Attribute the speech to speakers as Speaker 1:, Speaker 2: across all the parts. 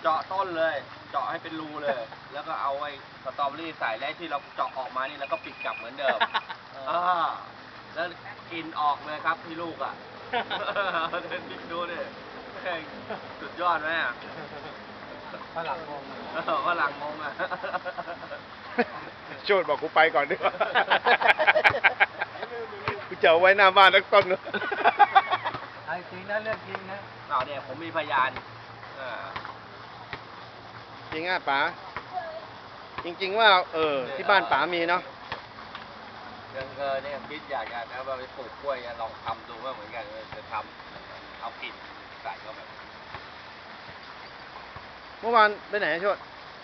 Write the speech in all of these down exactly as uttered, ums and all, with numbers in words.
Speaker 1: จาะต้นเลย เจาะให้เป็นรูเลย แล้วก็เอาไอ้สตรอเบอรี่ใส่แล้วที่เราเจาะออกมานี่แล้วก็ปิดกลับเหมือนเดิมอ่าแล้วกินออกเลยครับที่ลูกอ่ะเดินพิกดูดิสุดยอดไหมอ่ะฝรั่งงงฝรั่งงงอ่ะ
Speaker 2: โชดบอกกูไปก่อนดีกว่ากูจะเอาไว้หน้าบ้านนักต้นเลย
Speaker 3: ไอ้จริงนะเรื่องจริงนะ
Speaker 1: เอาเนี่ยผมมีพยาน
Speaker 2: จริงอ่ะป๋าจริงๆว่าเออที่บ้านป๋ามีเนาะ
Speaker 1: ยังเออเนี่ยคิดอยากจะนะว่าไปปลูกกล้วยลองทำดูว่าเหมือนกันจะทำเอากิ่นใส่เข้าไป
Speaker 2: เมื่อวานไปไหนโชด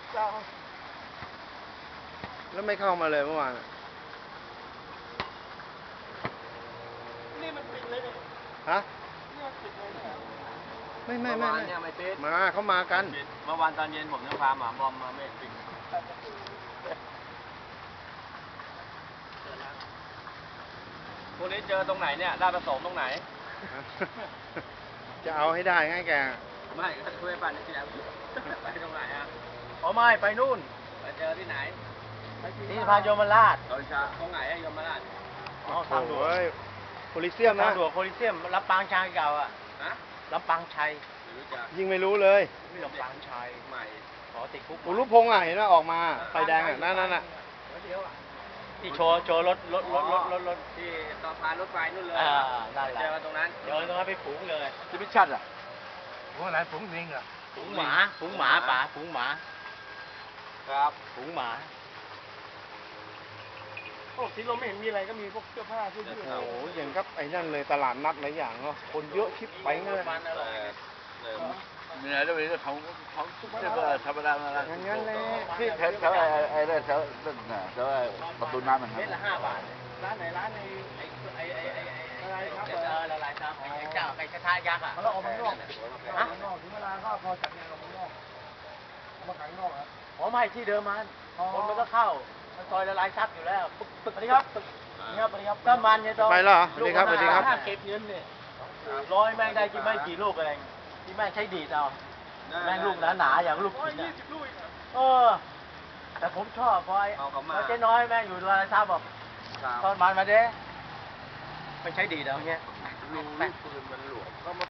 Speaker 2: แล้วไม่เข้ามาเลยเมื่อวาน
Speaker 3: นี่มันปิดเลยเนี่ย
Speaker 2: ฮะ
Speaker 3: นี่มันปิดเลยเนี่ย
Speaker 2: ไม่ไม่ไม่
Speaker 1: เนี่ยไม่ปิด
Speaker 2: มาเขามากัน
Speaker 1: เมื่อวานตอนเย็นผมยังพาหมาบอมมาไม่ปิดพวกนี้เจอตรงไหนเนี่ยราชประสงค์ตรงไหน
Speaker 2: จะเอาให้ได้ไงแก
Speaker 1: ไม่ก็ช่วยปั่นที่ไหนไปตรงไหนอ่ะ
Speaker 3: อ๋อไม่ไปนู่น
Speaker 1: ไปเจอที่ไหน
Speaker 3: ที่พานยมราช
Speaker 1: ตอนเช้าตรงไหนอะยมราช
Speaker 3: อ๋อทางด่วน
Speaker 2: โพลิเซียมนะ
Speaker 3: ทางด่วนโพลิเซียมลำปางชัยเก่าอ่ะ
Speaker 1: ฮะ
Speaker 3: ลำปางชัย
Speaker 2: ยิ่งไม่รู้เลย
Speaker 3: ไม่ลำปางชัย
Speaker 1: ใหม่
Speaker 3: ขอติดคุก
Speaker 2: อุรุพงษ์อ่ะเห็นไหมออกมาไฟแดงอ่ะนั่นนั่นอ่ะ
Speaker 3: ที่โชว์โชว์รถรถรถรถรถรถ
Speaker 1: ที่ต่อพานรถไฟนู่นเลย
Speaker 3: อ่านั่นแหละ
Speaker 1: เจอตรงนั้น
Speaker 3: เดินตรงนั้นไปฝูงเลย
Speaker 1: ที่พิชัดอ่ะ
Speaker 3: ฝูงอะไรฝูงลิงอ่ะฝูงหมาฝูงหมาป่าฝูงหมา
Speaker 1: ครับ
Speaker 3: ฝูงหมาโอ้สีลมไม่เห็นมีอะไรก็มีพวกเสื้อผ้าเสื้อยืด
Speaker 2: โอ้ยอย่างครับไอ้นั่นเลยตลาดนัดหลายอย่างเนาะคนเยอะชิบไปเลย
Speaker 1: มีอะไรด้วยก็เขาเขาเสื้อผ้าธรรมดาอะไร
Speaker 2: งั้นงั้นเลย
Speaker 1: ที่แถวแถวไอ้ไอ้ไอ้แถวนั่นน่ะแถวประตูน้ำมัน
Speaker 3: เม็ดละห้าบาทร้านไหนร้านในไอ้ไอ้ไอ้ไอ้อะไรครับเออละลายครับไอ้เจ้าไอ้กระทะยักษ์อ่ะเขาเอามาข้างนอกฮะถึงเวลาก็พอจัดงานออกข้างนอกมาขายข้างนอกครับอ๋อไม่ที่เดิมมันคนมันก็เข้ามันซอยละลายซับอยู่แล้วสวัสดีครับนี่ครับสวัสดีครับก็มันเนี่ยต้อง
Speaker 2: ไปแล้วสวัสดีครับสวัสดีครับ
Speaker 3: เก็บเงินเนี่ยร้อยแม่งได้กี่ไม่กี่ลูกอะไรที่แม่งใช้ดีดเอาแม่งลูกหนาๆอย่างลูกชิ้นเออแต่ผมชอบเพราะไอ้เจ๊น้อยแม่งอยู่ละลายซับบอกตอนมันมาเด้ไม่ใช้ดีดเอาเงี้ย
Speaker 1: ลูกปืนมันหลวม